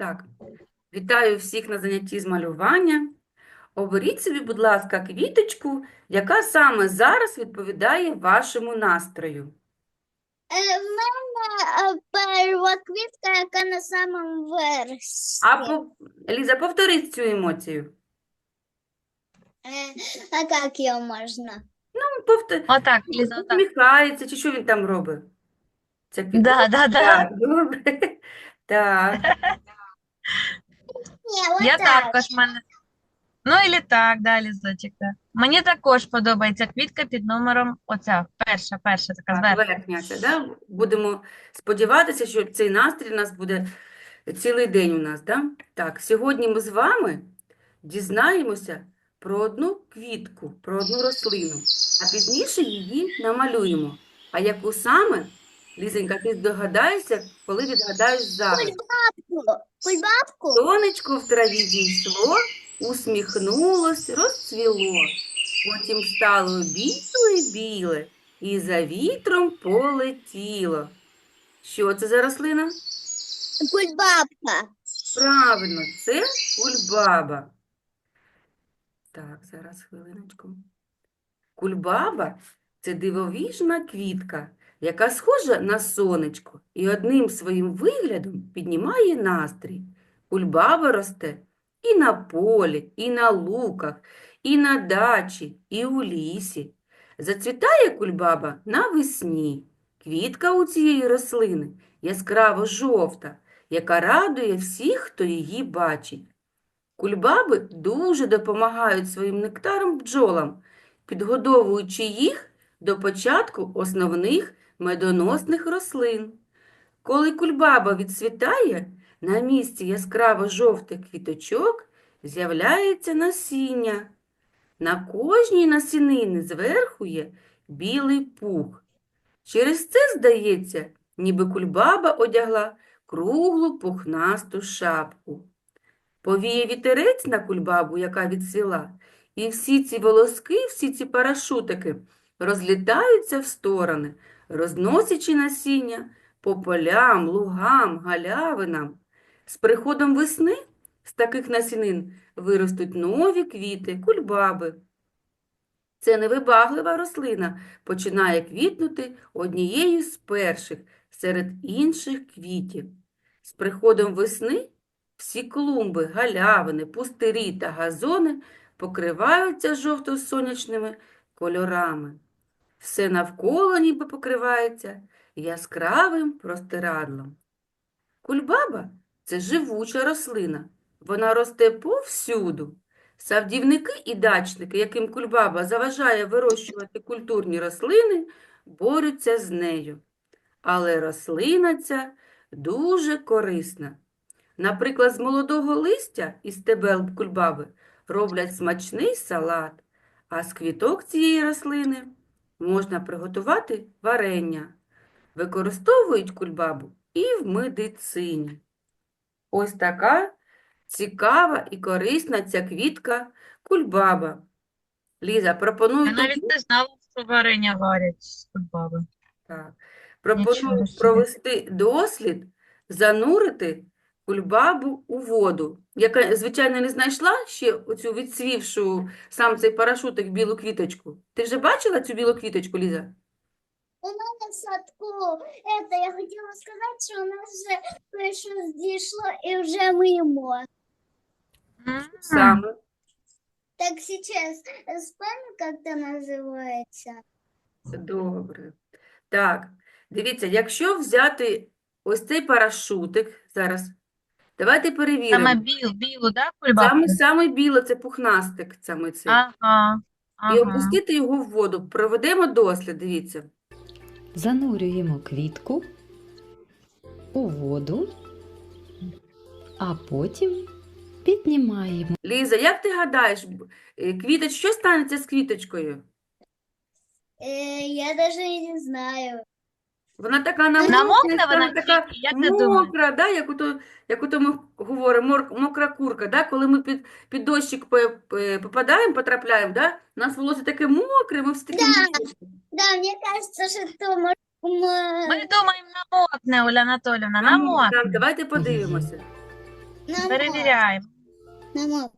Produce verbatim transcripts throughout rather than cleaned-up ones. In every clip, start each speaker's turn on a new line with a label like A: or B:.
A: Так, вітаю всіх на занятті з малювання. Оберіть собі, будь ласка, квіточку, яка саме зараз відповідає вашому настрою.
B: Е, В мене е, перша квітка, яка на самому версі.
A: А по... Ліза, повтори цю емоцію.
B: Е, А як її можна?
A: Ну, повтор...
C: Отак, Ліза, отак.
A: Усміхається, чи що він там робить? Це квітка?
C: Да, да, да.
A: Так, добре. Так,
B: Ні,
C: Я
B: отак.
C: також мене. Ну, і так, да, Лізочек, да. Мені також подобається квітка під номером оця, перша, перша така
A: так,
C: зверху.
A: верхня ця, да? Будемо сподіватися, що цей настрій у нас буде цілий день у нас, да? Так, сьогодні ми з вами дізнаємося про одну квітку, про одну рослину, а пізніше її намалюємо. А яку саме, Лізенька, ти здогадаєшся, коли відгадаєш загадку?
B: Кульбабку. Кульбабку?
A: Сонечко в траві зійшло, усміхнулось, розцвіло. Потім стало біле-біле і за вітром полетіло. Що це за рослина?
B: Кульбабка.
A: Правильно, це кульбаба. Так, зараз хвилиночку. Кульбаба – це дивовижна квітка, яка схожа на сонечко і одним своїм виглядом піднімає настрій. Кульбаба росте і на полі, і на луках, і на дачі, і у лісі. Зацвітає кульбаба навесні. Квітка у цієї рослини яскраво жовта, яка радує всіх, хто її бачить. Кульбаби дуже допомагають своїм нектаром бджолам, підгодовуючи їх до початку основних медоносних рослин. Коли кульбаба відцвітає, на місці яскраво-жовтих квіточок з'являється насіння. На кожній насінині зверху є білий пух. Через це здається, ніби кульбаба одягла круглу пухнасту шапку. Повіє вітерець на кульбабу, яка відцвіла, і всі ці волоски, всі ці парашутики розлітаються в сторони, розносячи насіння по полям, лугам, галявинам. З приходом весни з таких насінин виростуть нові квіти, кульбаби. Це невибаглива рослина починає квітнути однією з перших серед інших квітів. З приходом весни всі клумби, галявини, пустирі та газони покриваються жовто-сонячними кольорами. Все навколо ніби покривається яскравим простирадлом. Кульбаба – це живуча рослина. Вона росте повсюду. Садівники і дачники, яким кульбаба заважає вирощувати культурні рослини, борються з нею. Але рослина ця дуже корисна. Наприклад, з молодого листя і стебел кульбаби роблять смачний салат, а з квіток цієї рослини можна приготувати варення. Використовують кульбабу і в медицині. Ось така цікава і корисна ця квітка кульбаба. Ліза, пропоную
C: Я навіть
A: тобі,
C: не знала, що варення варять з кульбаби.
A: так,
C: Нічого
A: пропоную
C: собі.
A: провести дослід, занурити кульбабу у воду. Я, звичайно, не знайшла ще оцю відцвівшу сам цей парашутик білу квіточку. Ти вже бачила цю білу квіточку, Ліза?
B: У мене в садку. Это, я хотіла сказати, що у нас вже перше зійшло і вже мимо.
C: М.
A: Саме.
B: Так сейчас вспомню, как это называется.
A: Добре. Так, дивіться, якщо взяти ось цей парашутик зараз, давайте
C: Саме
A: перевіримо.
C: біл, білу, да, кульбабу?
A: Саме, саме біле, це пухнастик саме цей.
C: Ага,
A: І
C: ага.
A: опустити його в воду. Проведемо дослід, дивіться.
D: Занурюємо квітку у воду, а потім піднімаємо.
A: Ліза, як ти гадаєш, б- е, квіточ, що станеться з квіточкою?
B: Э, я даже и не знаю.
A: Вона така намокне,
C: Намокне
A: стане
C: вона
A: така
C: квітка, як ти думаєш?
A: мокра, да? Як ото, як ото ми говоримо, мор- мокра курка, да? Коли ми під, під дощик по- е, попадаємо, потрапляємо, да? У нас волосся таке мокре, ми всі такі
B: Да.
A: мокрі.
B: Да, мне кажется, что это может... м,
C: Ми думаємо, намокне, Оля Анатолівна,
A: Намокне. Так,
C: намокне.
A: давайте подивимося.
B: Намок,
C: Перевіряємо.
B: намок.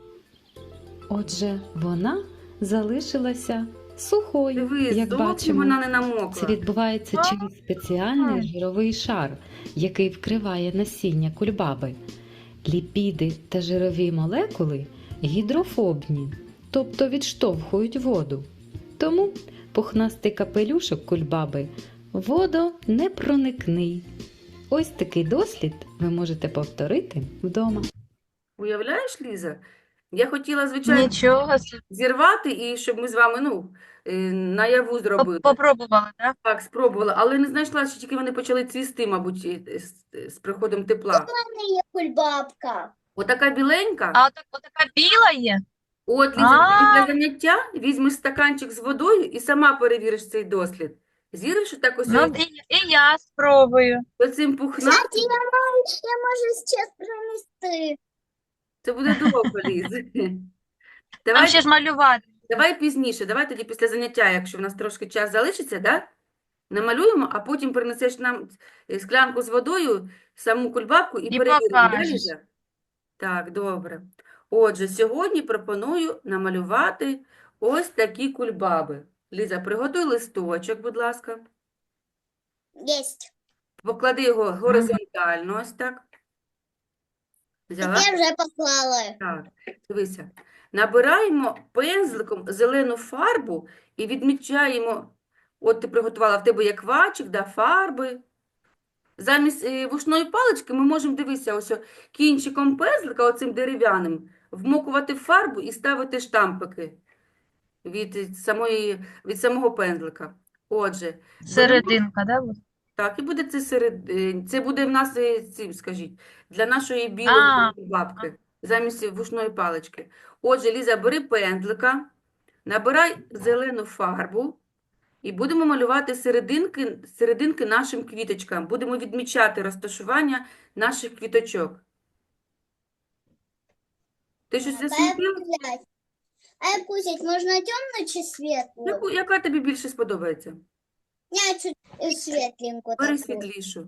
D: Отже, вона залишилася сухою,
A: Дивись,
D: як
A: зовсім
D: бачимо.
A: вона не
D: Це
A: намокла.
D: відбувається через спеціальний жировий шар, який вкриває насіння кульбаби. Ліпіди та жирові молекули гідрофобні, тобто відштовхують воду. Тому пухнастий капелюшок кульбаби водонепроникний. Ось такий дослід ви можете повторити вдома.
A: Уявляєш, Ліза? Я хотіла, звичайно,
C: Нічого собі.
A: зірвати і щоб ми з вами, ну, е, наяву зробили.
C: Попробували, так?
A: Так, спробувала, але не знайшла, що тільки вони почали цвісти, мабуть, і- з, з приходом тепла.
B: У мене є кульбабка.
A: Отака біленька.
C: А отак, отака біла є?
A: От, Ліза,
C: А.
A: ти для заняття візьмеш стаканчик з водою і сама перевіриш цей дослід. Зіриш отак ось
C: Ну, і, і я спробую.
A: оцим пухнастим.
B: Кстати, я можу, я можу зараз принести.
A: Це буде довго, Ліз.
C: Там
A: Давай,
C: ще ж малювати.
A: давай пізніше, давай тоді після заняття, якщо в нас трошки час залишиться, да? Намалюємо, а потім принесеш нам е, склянку з водою, саму кульбабку і
C: І
A: перевіримо, да,
C: покажеш.
A: Ліза? Так, добре. Отже, сьогодні пропоную намалювати ось такі кульбаби. Ліза, приготуй листочок, будь ласка.
B: Єсть.
A: Поклади його горизонтально, ось так. Взяла?
B: Я вже поклала.
A: Так, дивися. Набираємо пензликом зелену фарбу і відмічаємо, от ти приготувала, в тебе є квачик, да, фарби. Замість е, вушної палички ми можемо, дивися, ось о, кінчиком пензлика, оцим дерев'яним, вмокувати в фарбу і ставити штампики від е, самої, від самого пензлика. Отже, беремо-
C: Серединка, да, буде?
A: так, і буде це серед, е, це буде в нас, е, цим, скажіть, для нашої білої
C: А,
A: бабки, замість вушної палички. Отже, Ліза, бери пензлика, набирай зелену фарбу і будемо малювати серединки, серединки нашим квіточкам. Будемо відмічати розташування наших квіточок. Ти щось
B: А як
A: засвітила?
B: взять? А як взять, можна темну чи світлу?
A: Яку- Яка тобі більше сподобається?
B: Я чуть е, світленьку
A: Бери
B: таку.
A: світлішу.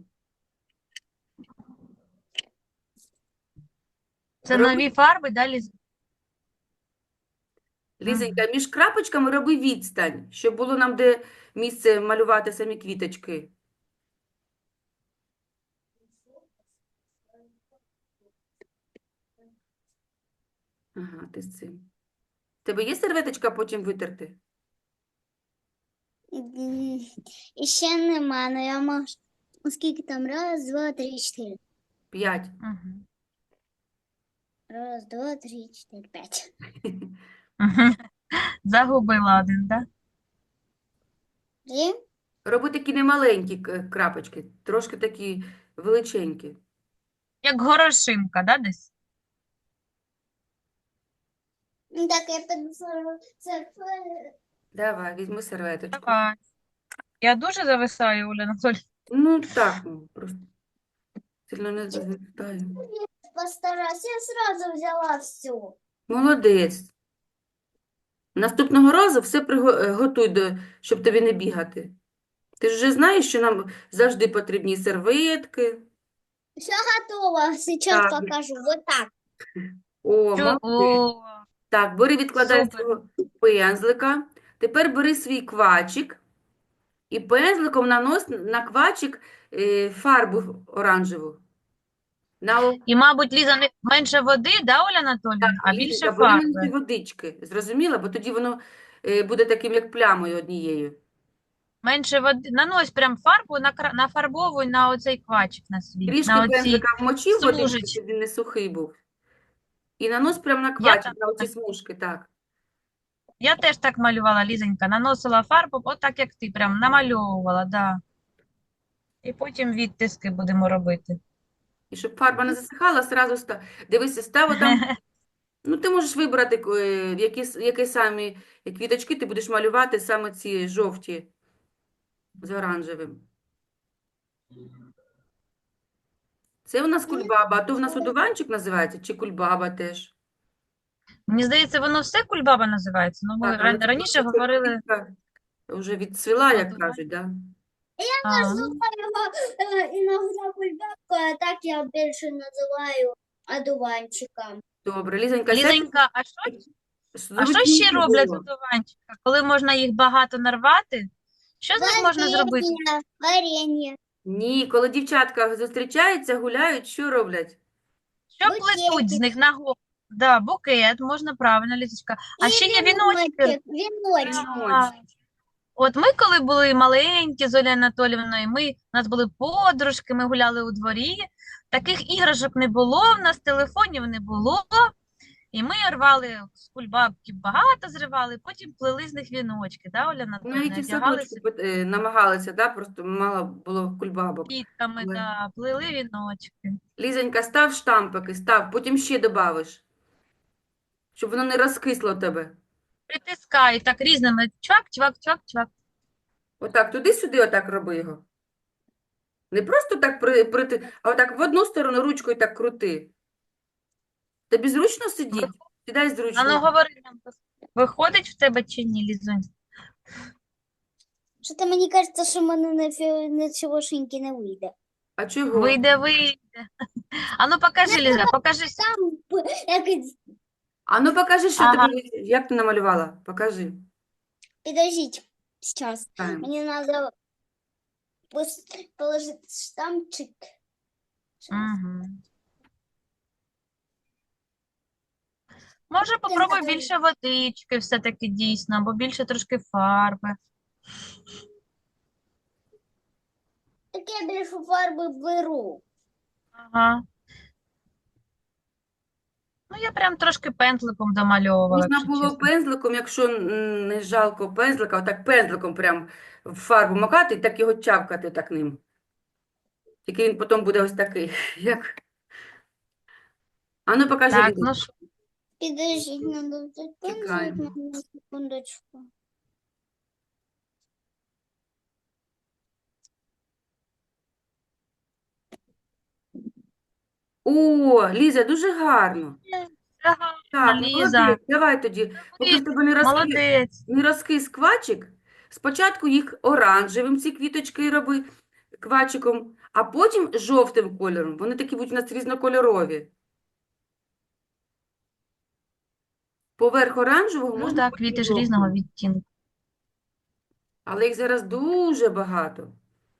C: Це
A: Роби-
C: нові фарби, далі.
A: Лізенька, між крапочками роби відстань, щоб було нам де місце малювати самі квіточки. Ага, ти з цим. В тебе є серветочка потім витерти?
B: М, І ще нема, але я можу. Скільки там? Раз, два, три, чотири.
A: П'ять.
C: Мгм.
B: Раз, два, три, чотири, п'ять.
C: Мгм. Загубила один, так?
B: І?
A: Роби такі немаленькі к- крапочки, трошки такі величенькі.
C: Як горошинка, да, десь?
B: Ну, так, я піду це е,
A: Давай, візьми серветочку.
C: Давай. Я дуже зависаю, Оля Анатолій.
A: Ну, так, ну, просто сильно не завертаю.
B: постараюсь. Я сразу взяла всю.
A: Молодець. Наступного разу все приго- е, готуй, до, щоб тобі не бігати. Ти ж вже знаєш, що нам завжди потрібні серветки.
B: Все готово. Сейчас
A: Так.
B: покажу. Вот так.
A: О, молодець.
C: О,
A: Так, бери, відкладай
C: Супер.
A: свого пензлика. Тепер бери свій квачик і пензликом нанось на квачик е, фарбу оранжеву. На о-
C: і, мабуть, Ліза, не менше води, да, Оля Анатоліївна, а більше
A: Ліза, бери менше
C: фарби.
A: водички. Зрозуміла? Бо тоді воно е, буде таким, як плямою однією.
C: Менше води. Нанось прям фарбу, накра- нафарбовуй на оцей квачик на свій,
A: Трішки
C: на оці.
A: пензлика вмочив водичку,
C: смужечки.
A: щоб він не сухий був. І нанось прямо на
C: Я
A: квачик,
C: так-
A: на оці смужки, так.
C: Я теж так малювала, Лізонька, наносила фарбу, отак, як ти, прям намальовувала, да. І потім відтиски будемо робити.
A: І щоб фарба не засихала, зразу ста... дивися, став там. Ну, ти можеш вибрати, е, які, с- які самі квіточки ти будеш малювати, саме ці жовті з оранжевим. Це у нас кульбаба, а то в нас одуванчик називається, чи кульбаба теж.
C: Мені здається, воно все кульбаба називається. Ну, ми
A: Так, але
C: ран-
A: це
C: раніше
A: просто ця
C: говорили.
A: квітка вже відцвіла, як
C: Одуванчик.
A: кажуть, да?
C: А,
B: Называю его э, иногда кульбабку, а так я больше называю одуванчиком.
A: Добре, Лізонька, сядь,
C: Лізонька, а що, а що ще
A: зручніше
C: роблять
A: було.
C: одуванчика? Коли можна їх багато нарвати? Що з них можна зробити?
B: Варенье, варенье,
A: Ні, коли дівчатка зустрічаються, гуляють, що роблять?
C: Що плетуть з
B: букетик
C: них на голову? Да, букет, можна правильно, Лізочка. А
B: и
C: ще є віночки.
B: веночек, веночек.
C: А, От ми, коли були маленькі з Олею Анатоліївною, ми, у нас були подружки, ми гуляли у дворі, таких іграшок не було, в нас телефонів не було, і ми рвали з кульбабки багато зривали, потім плели з них віночки, да, Оля Анатоліївна,
A: Навіть і в
C: одягали
A: садочку пит- е, намагалися, да? Просто мало було кульбабок.
C: квітками,
A: Але-
C: да, плели віночки.
A: Лізонька, став штампики, став, потім ще добавиш, щоб воно не розкисло у тебе.
C: Притискай так різними чвак, чвак, чвак, чвак.
A: Отак, туди-сюди, отак роби його. Не просто так при, прити, а отак в одну сторону ручкою так крути. Тобі зручно сидіти? Сідай
C: А ну
A: зручно.
C: говори нам, виходить в тебе чи ні, Лізунь?
B: Что-то мне кажется, что мене на фі- нічогошеньки не вийде.
A: А чого?
C: Вийде, вийде. А ну покажи, Ліза, покажи.
B: Там п- якось...
A: А ну покажи, що
C: Ага.
A: тобі, як ти намалювала? Покажи.
B: Подождите, сейчас.
A: Таня.
B: Мне надо пос- положить штампчик.
C: Угу. Може, попробуй
B: Наталя.
C: більше водички все-таки дійсно, або більше трошки фарби.
B: Так я більше фарби беру.
C: Ага. Ну, я прям трошки пензликом домальовувала,
A: Можна
C: якщо
A: було
C: чесно.
A: пензликом, якщо м, не жалко пензлика, отак пензликом прям в фарбу макати і так його чавкати так ним. Тільки він потім буде ось такий, як... А ну покажи,
C: Так,
A: Ліза.
C: ну що,
B: Підождіть, надо взяти пензлик
A: Чекаємо.
B: на секундочку.
A: О, Ліза, дуже гарно.
C: ага,
A: Так,
C: Ліза,
A: молодець, давай тоді. Поки в тебе не розкис,
C: молодець.
A: не розкис квачик, спочатку їх оранжевим, ці квіточки роби квачиком, а потім жовтим кольором. Вони такі будуть у нас різнокольорові. Поверх оранжевого
C: Ну
A: можна
C: так,
A: потім
C: квіти ж
A: жовтим.
C: різного відтінку.
A: Але їх зараз дуже багато.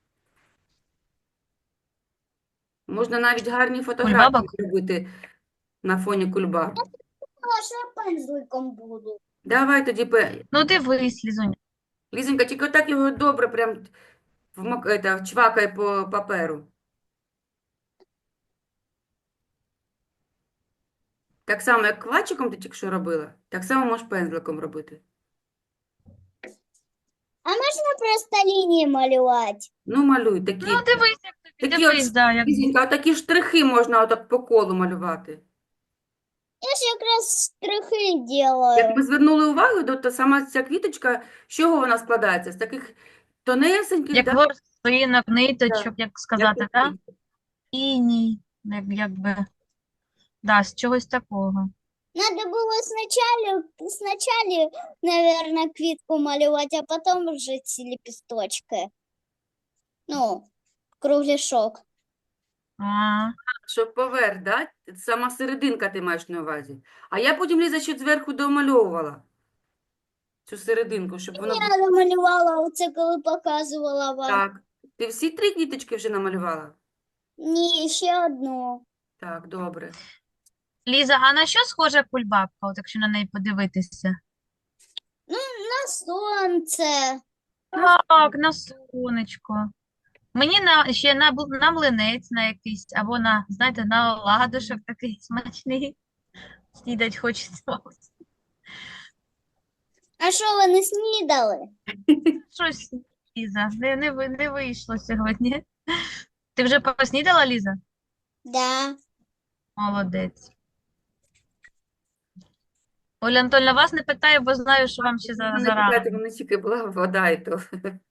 A: Можна навіть гарні фотографії
C: Кульбабок?
A: зробити на фоні кульбаб.
B: А що я пензликом буду?
A: Давай тоді, пе-
C: Ну дивись, Лізунь.
A: Лізонька, тільки отак його добре прям вмок... это, чвакай по паперу. Так само, як квачиком ти тільки що робила, так само можеш пензликом робити.
B: А можна просто лінії малювати?
A: Ну, малюй такі.
C: Ну дивись, як тобі,
A: Такі от,
C: дивись, да, як
A: Лізонька, отакі штрихи можна отак по колу малювати.
B: Я ж якраз штрихи
A: Як
B: делаю.
A: ми звернули увагу, то, то сама ця квіточка, з чого вона складається? З таких тонесеньких,
C: як
A: да,
C: ворсинок, ниточок, як сказати,
A: як
C: так? Іній, як, якби, да, з чогось такого.
B: Надо було спочатку, спочатку, наверное, квітку малювати, а потім вже ці лепесточки. Ну, кругляшок.
C: А,
A: щоб поверх, да? Сама серединка ти маєш на увазі. А я потім, Ліза, ще зверху домальовувала цю серединку, щоб воно було.
B: Я намалювала оце, коли показувала вам.
A: Так. Ти всі три квіточки вже намалювала?
B: Ні, ще одну.
A: Так, добре.
C: Ліза, а на що схожа кульбабка, от якщо на неї подивитися?
B: На сонце.
C: Так, на сонечко. Мені на, ще на, бл- на млинець на якийсь, або на, знаєте, на оладушок такий смачний. Снідать хочеться.
B: А що ви не снідали?
C: Щось, Ліза, не, не, ви- не вийшло сьогодні. Ти вже поснідала, Ліза?
B: Да.
C: Молодець. Оля Анатольовна, вас не питаю, бо знаю, що вам ще за,
A: Не
C: зарано.
A: питайте, мене тільки була вода і то.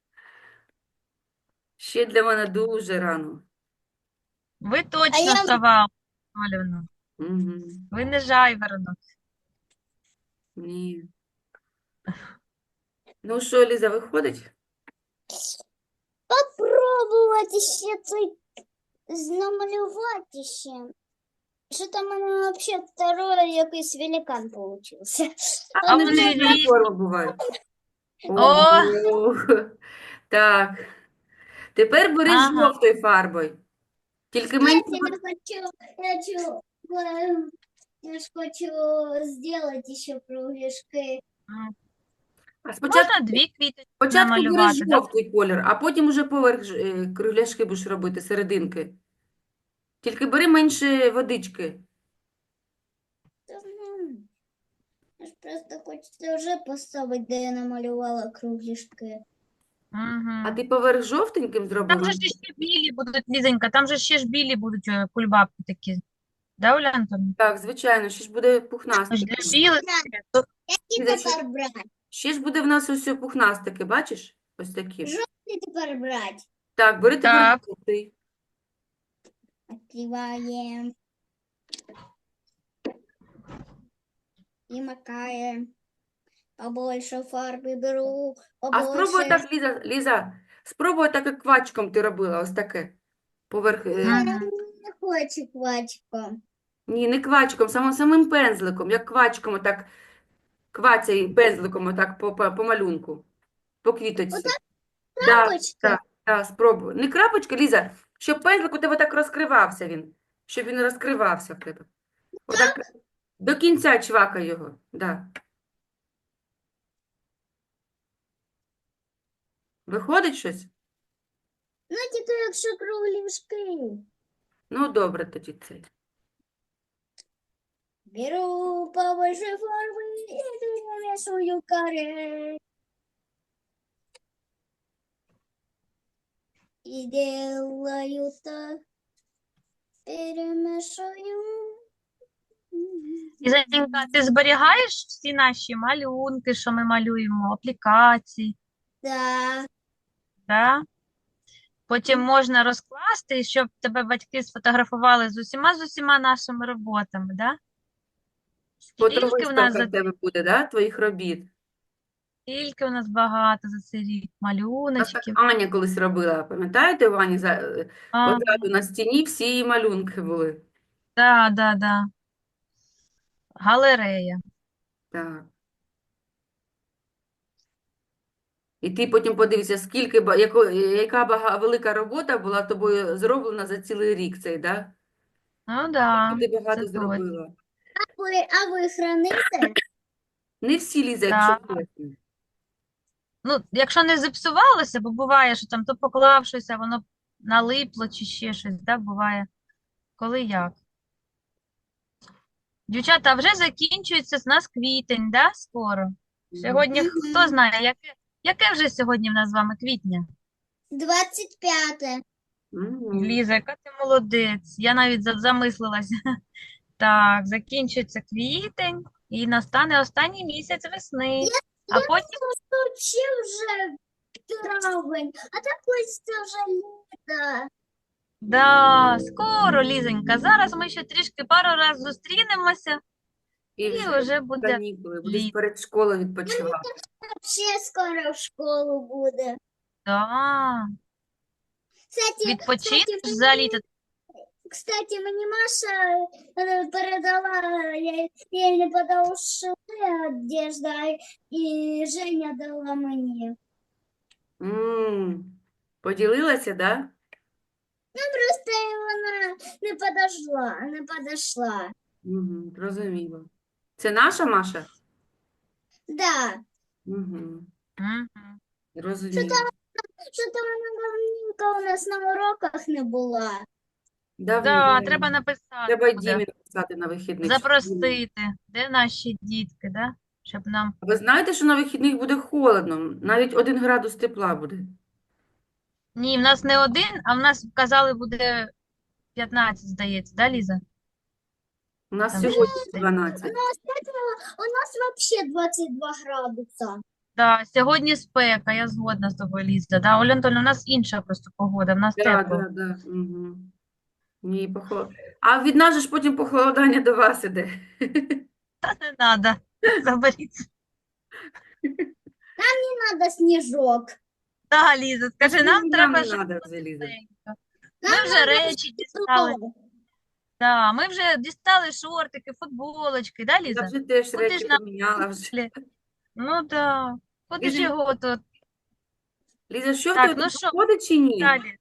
A: Ще для мене дуже рано.
C: Ви точно
B: я-
C: сова, Олівна.
A: Угу.
C: Ви не жайворонок.
A: Ні. Ну що, Ліза, виходить?
B: Попробувати ще цей намалювати ще. Что-то у меня вообще второй якийсь великан получился.
A: А
C: А
A: вони
C: вони
A: різної
C: різні.
A: форми бувають.
C: О,
A: Ого. Так. Тепер бери
C: ага.
A: жовтою фарбою. Тільки менше.
B: Кстати, я хочу, я хочу, э, я ж хочу сделать еще кругляшки.
C: М.
A: А спочатку,
C: Можна дві квіточки
A: спочатку бери
C: намалювати, да?
A: жовтий колір, а потім уже поверх ж- е, кругляшки будеш робити, серединки. Тільки бери менше водички.
B: Та знаю. Я ж просто хочеться вже поставити, де я намалювала кругляшки.
A: А
C: Угу.
A: ти поверх жовтеньким зробив?
C: Там же ж ще білі будуть, Лізонька, там же ще ж білі будуть е, кульбабки такі. Да, Оля Антонівна?
A: Так, звичайно, ще ж буде
C: Ось
A: пухнастики.
C: для білих. то-
B: Які
A: Ліза, ще,
B: тепер брати?
A: ще ж буде в нас ось пухнастики, бачиш? Ось такі.
B: Жовтий тепер брати.
A: Так, бери тепер
C: Так.
A: жовтий.
B: Открываем. И макаем. Побольше фарби беру,
A: А спробуй
B: побольше.
A: так, Ліза, Ліза, спробуй так, як квачком ти робила, ось таке. Поверх, е,
B: Я
C: Мгм.
B: не хочу квачком.
A: ні, не квачком, самим, самим пензликом, як квачком, отак, квацяй пензликом, отак по, по, по малюнку, по квіточці. Да,
B: Крапочка?
A: так, так, спробуй. Не крапочка, Ліза, щоб пензлик у тебе так розкривався він, щоб він розкривався в тебе. Отак, до кінця чвакай його, да. Виходить щось?
B: Ну, тільки якщо кругляшки.
A: Ну, добре тоді цей.
B: Беру побольше фарби и перемешиваю каре. И делаю так. Перемешаю.
C: Лізонька, ти зберігаєш всі наші малюнки, що ми малюємо, аплікації,
B: Да.
C: да? Потім можна розкласти, щоб тебе батьки сфотографували з усіма з усіма нашими роботами, да? Скільки в нас
A: Фотовиставка
C: за
A: в тебе буде, да, твоїх робіт.
C: скільки у нас багато за цей рік
A: Так, так
C: малюночків.
A: Аня колись робила, пам'ятаєте, у Ані за, е,
C: А,
A: позаду на стіні всі її малюнки були.
C: да, да, да. Галерея.
A: Так. І ти потім подивишся, скільки, ба- яко, яка бага, велика робота була тобою зроблена за цілий рік цей, да?
C: Ну да,
A: Скільки ти
C: це
A: багато
C: точно.
A: зробила.
B: Ви, а ви храните?
A: Не всі, Ліза,
C: Да.
A: якщо чесно.
C: Ну, якщо не зіпсувалося, бо буває, що там то поклав щось, а воно налипло чи ще щось, да, буває. Коли як. Дівчата, а вже закінчується з нас квітень, да, скоро? Сьогодні х- хто
B: Мгм.
C: знає, яке, яке вже сьогодні в нас з вами квітня?
B: двадцять п'яте.
A: Мгм.
C: Ліза, яка ти молодець. Я навіть за- замислилася. Так, закінчується квітень і настане останній місяць весни. А потім,
B: Вообще вже травень, а так ось це вже літо.
C: да, скоро, Лізонька. Зараз ми ще трішки пару разів зустрінемося,
A: І
C: і
A: вже
C: вже буде
A: канікули, будеш
C: літо.
A: перед школою відпочивати.
B: Вообще скоро в школу буде.
C: Да.
B: Кстати,
C: Відпочинеш
B: кстати,
C: за літо.
B: кстати, мені Маша е, передала, я, я їй не подала шили одежда, і Женя дала мені.
A: М, Поділилася, да?
B: Просто вона не подошла, не подошла.
A: Угу, зрозуміло. Це наша Маша?
B: Да.
A: Угу,
C: Мгм.
A: зрозуміло.
B: Що-то вона давненько у нас на уроках не була.
C: Да,
A: Давно.
C: треба написати
A: Треба й
C: буде.
A: Дімі написати на вихідних. щоб Дімі-
C: Запросити, де наші дітки, да? Щоб нам.
A: А ви знаєте, що на вихідних буде холодно? Навіть один градус тепла буде.
C: Ні, в нас не один, а в нас казали буде п'ятнадцять, здається, да, Ліза?
A: У нас
C: Там
A: сьогодні
C: щось таке.
B: У
A: дванадцять.
B: нас, у нас вообще двадцять два градуса.
C: Да, сьогодні спека, я згодна з тобою, Ліза. Да, Оля Антонівна, у нас інша просто погода, в нас
A: Да,
C: тепло.
A: да, да. Угу. Ні, похолод... А від нас же ж потім похолодання до вас іде.
C: Та не треба, заберіться.
B: Не надо снежок.
C: Да, Ліза, скажи, нам
A: Нам
C: треба
A: не
C: щось
A: надо вже, Ліза.
C: тепленьке. Ми вже речі дістали. Да, ми вже дістали шортики, футболочки, да,
A: Я
C: Ліза?
A: вже теж
C: Куди
A: речі
C: ж нам
A: поміняла вже.
C: далі? Ну да. Куди ж
A: Ліза,
C: його тут?
A: Ліза, що в
C: Так,
A: тебе
C: ну
A: тут
C: що,
A: виходить чи ні?
C: далі?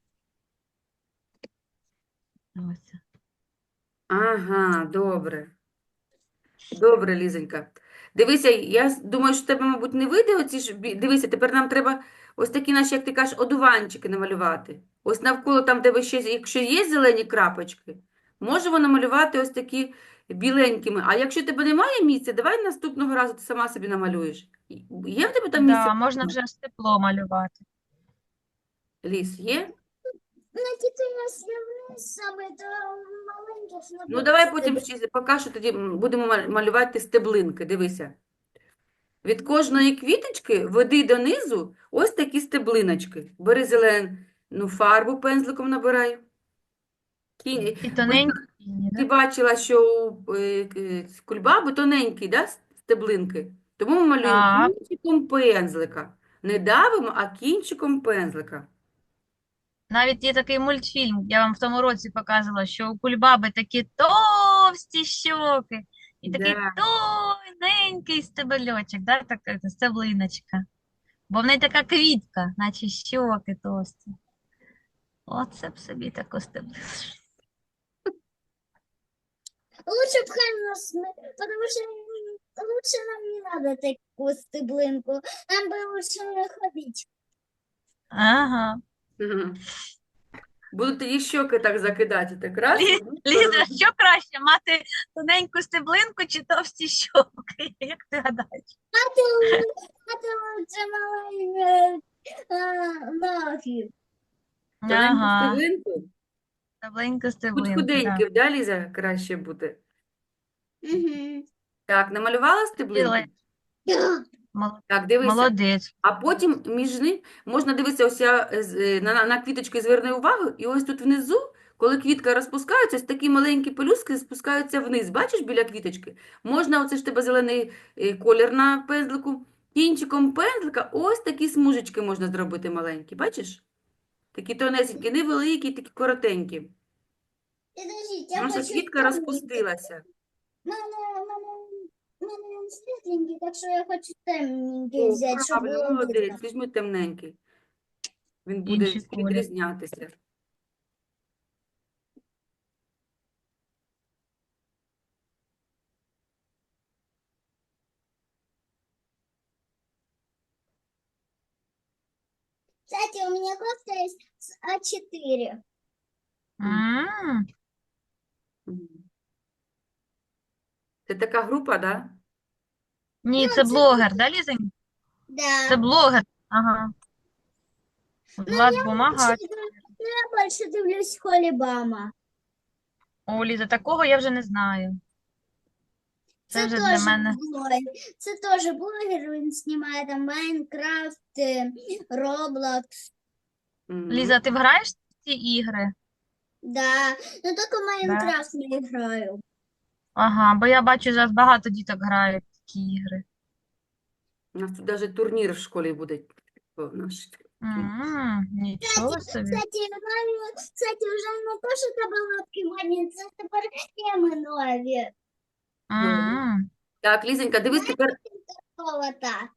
C: Ось.
A: Ага, добре. Добре, Лізонька. Дивися, я с- думаю, що в тебе, мабуть, не вийде оці ж. бі- Дивися, тепер нам треба ось такі наші, як ти кажеш, одуванчики намалювати. Ось навколо там, де ви ще, якщо є зелені крапочки, можемо намалювати ось такі біленькими. А якщо в тебе немає місця, давай наступного разу ти сама собі намалюєш. Є в тебе там місце?
C: Да, можна вже ж тепло малювати.
A: Ліс, є?
B: Ну, тільки якщо вниз саме, то маленьких не
A: Ну,
B: буде
A: давай потім
B: стебля.
A: ще поки що тоді м, будемо мал- малювати стеблинки. Дивися. Від кожної квіточки веди донизу ось такі стеблиночки. Бери зелену фарбу, пензликом набирай. Кінь.
C: І
A: Ось
C: тоненькі лінії,
A: ти
C: да?
A: бачила, що у е, к- кульбаби тоненькі, да, стеблинки? Тому ми малюємо
C: Так.
A: кінчиком пензлика. Не давимо, а кінчиком пензлика.
C: Навіть є такий мультфільм, я вам в тому році показувала, що у кульбаби такі товсті щоки і такий
A: Да.
C: тоненький стебельочок, да, така стеблиночка. Бо в неї така квітка, наче щоки товсті. Оце б собі таку стеблиночку.
B: Лучше б хай нас не... Потому что м, лучше нам не надо такую стеблинку. Нам бы лучше не ходить.
C: Ага.
A: Мгм. Буду тоді щоки так закидати. Так раз, в
C: Лі-
A: одну
C: Ліза,
A: сторону.
C: що краще, мати тоненьку стеблинку чи товсті щоки? Як ти гадаєш?
B: А ты, а ты лучше маленькие ноги.
A: Тоненьку
C: Ага,
A: стеблинку.
C: стебленька,
A: Будь
C: стеблинка, да.
A: худеньким, да, Ліза, краще буде.
B: Угу.
A: Так, намалювала стеблинку?
C: Біле.
B: Да.
C: Мол-
A: Так, дивися.
C: Молодець.
A: А потім між ним можна дивитися, ось я е, з- е, на, на на квіточки зверни увагу, і ось тут внизу, коли квітка розпускається, ось такі маленькі пелюстки спускаються вниз. Бачиш біля квіточки? Можна, оце ж в тебе зелений е, колір на пензлику, кінчиком пензлика ось такі смужечки можна зробити маленькі. Бачиш? Такі тонесенькі, невеликі, такі коротенькі.
B: Подождите, я
A: Наша
B: хочу
A: квітка
B: темненький.
A: розпустилася.
B: Мене, мене, мене світленький, так що я хочу темненький
A: О,
B: взяти, щоб
A: правильно,
B: було видно.
A: молодець, візьми темненький. Він буде
C: Інший колір.
A: відрізнятися.
B: Кстати, у меня кофта есть с А четыре.
C: М,
A: Мгм. Це така група, да?
C: Ні, це блогер, да, Лізень?
B: Да.
C: Це блогер. Ага. Влад Бумага.
B: Больше- Ну, я больше дивлюсь Холібама.
C: О, Ліза, такого я вже не знаю. Це
B: Це
C: вже для
B: теж
C: мене.
B: блогер. Це теж блогер, він знімає там Майнкрафт, е, Роблокс.
A: Мгм.
C: Ліза, ти граєш в ці ігри?
B: Да. Ну, тільки Майнкрафт не граю.
C: Ага, бо я бачу, зараз багато діток грають в такі ігри.
A: У нас тут навіть турнір в школі буде. О, наш.
C: М, Нічого собі.
B: Кстати, нові, кстати, вже не то, що таблетки модні, це тепер теми нові.
C: М,
A: Так, Лізенька, дивись тепер.
B: Какого-то.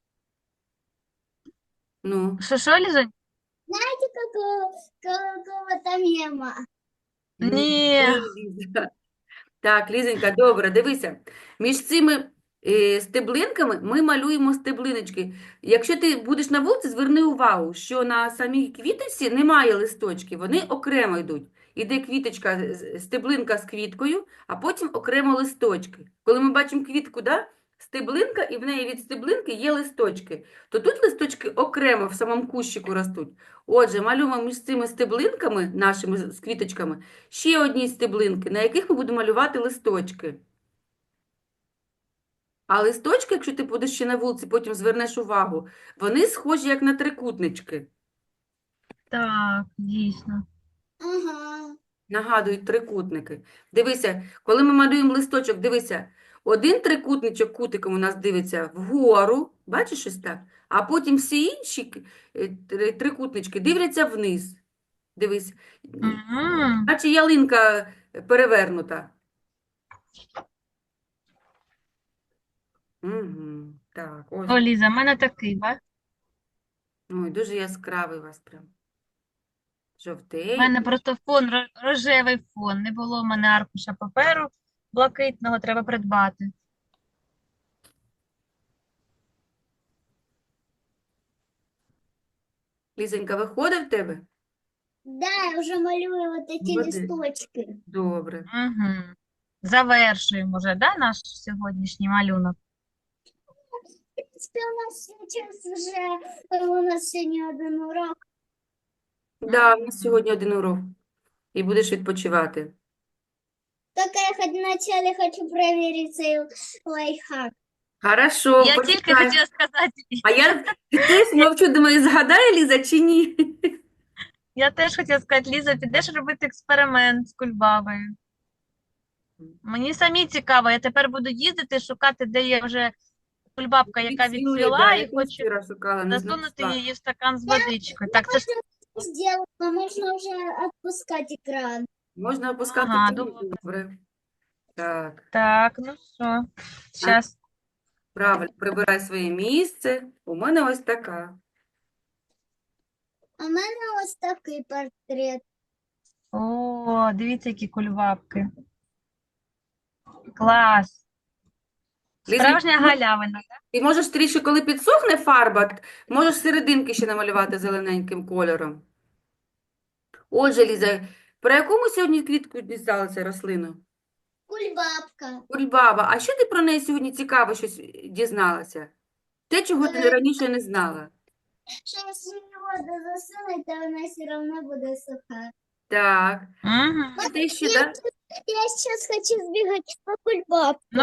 A: Ну,
C: Що, що, Лізонь?
B: Знаете, какого, какого-то мема?
C: Ні.
A: Ліза. Так, Лізенька, добре, дивися. Між цими е, стеблинками ми малюємо стеблиночки. Якщо ти будеш на вулиці, зверни увагу, що на самій квіточці немає листочків, вони окремо йдуть. Іде квіточка, з- стеблинка з квіткою, а потім окремо листочки. Коли ми бачимо квітку, да? Стеблинка, і в неї від стеблинки є листочки, то тут листочки окремо в самому кущику ростуть. Отже, малюємо між цими стеблинками, нашими з з квіточками, ще одні стеблинки, на яких ми будемо малювати листочки. А листочки, якщо ти будеш ще на вулиці, потім звернеш увагу, вони схожі як на трикутнички.
C: Так, дійсно.
B: Ага.
A: Нагадують трикутники. Дивися, коли ми малюємо листочок, дивися, один трикутничок кутиком у нас дивиться вгору, бачиш ось так? А потім всі інші е, три- трикутнички дивляться вниз. Дивись,
C: М.
A: наче ялинка перевернута. Угу. Так, ось.
C: О, Ліза, в мене такий, ба?
A: Ой, дуже яскравий у вас прям.
C: У
A: Жовтий.
C: мене просто фон, ро- рожевий фон. Не було в мене аркуша паперу блакитного, треба придбати.
A: Лізонька, виходить в тебе?
B: Да, я уже малюю вот эти
A: Молодець.
B: листочки.
A: Добре.
C: Угу. Завершуємо вже, да, наш сьогоднішній малюнок?
B: В принципе, у нас сейчас уже, э, у нас сегодня один урок.
A: Да, у нас сьогодні один урок. І будеш відпочивати.
B: Только я хоть вначале хочу проверить цей лайфхак.
A: Хорошо,
C: Я тільки
A: почекай.
C: хотіла сказати,
A: А я теж мовчу, думаю, згадає Ліза чи ні?
C: я теж хотіла сказати, Ліза, підеш робити експеримент з кульбабою. Мені самі цікаво, я тепер буду їздити, шукати, де є вже кульбабка, яка
A: Відцвіли,
C: відцвіла,
A: да,
C: і
A: я теж
C: хочу
A: вчора шукала, не
C: засунути
A: знайшла.
C: її в стакан з водичкою. Так, це ж
B: Сделала, можно уже отпускать экран.
A: Можна опускати
C: Ага,
A: тему?
C: добре.
A: Добре. Так,
C: так, ну що, зараз.
A: правильно, прибирай своє місце. У мене ось така.
B: А в мене ось такий портрет.
C: О, дивіться, які кульбабки. Клас.
A: Ліза,
C: Справжня
A: ну,
C: галявина.
A: Ти можеш трішки, коли підсохне фарба, т- можеш серединки ще намалювати зелененьким кольором. Отже, Ліза, про яку ми сьогодні квітку дізналися рослину?
B: Кульбабка.
A: Кульбаба. А що ти про неї сьогодні цікаво щось дізналася? Те, чого ти
B: Е,
A: раніше не знала.
B: Що якщо її воду засунуть, то вона все одно буде суха.
A: Так.
C: Угу.
A: І ти ще,
B: Я,
A: да?
B: я зараз хочу збігати по кульбабку.